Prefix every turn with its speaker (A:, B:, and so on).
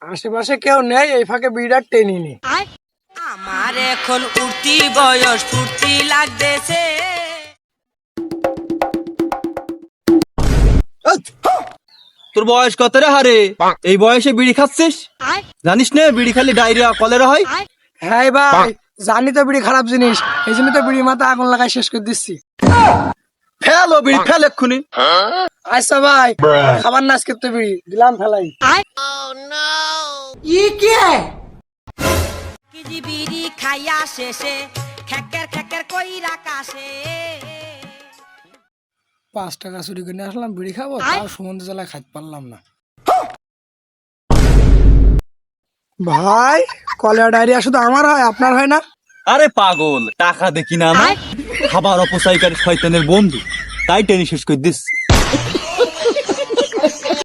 A: আশেপাশে কেউ নেই, এই ফাঁকে বিড়ার টেনে নি।
B: আমার এখন উঠতি বয়স, ফুর্তি লাগতেছে।
C: তোর বয়স কত রে হারে? এই বয়সে বিড়ি খাচ্ছিস? জানিস না বিড়ি খালি ডায়রিয়া কলেরা হয়?
A: হ্যাঁ ভাই, জানি তো বিড়ি খারাপ জিনিস, এই জন্য তো বিড়ি মাথা আগুন লাগাই শেষ করে দিচ্ছি।
C: ফেল ও বিড়ি ফেল এক্ষুনি।
A: আচ্ছা ভাই, খাবার নাচ করতে বিড়ি দিলাম ফেলাই।
B: কেজি বিড়ি খাইয়া শেষে খেকের খেকের কইরা কাশে।
A: 5 টাকা চুরি করে নিয়ে আসলাম বিড়ি খাবো, তাও সমুদ্র জলায় খাইতে পারলাম না। ভাই, কলেরা ডায়রিয়া শুধু আমার হয়, আপনার হয় না?
C: আরে পাগল, টাকা দেখি না আমার? খাবার অপচয়কারী শয়তানের বন্ধু, তাই টেনে শেষ করে দিস।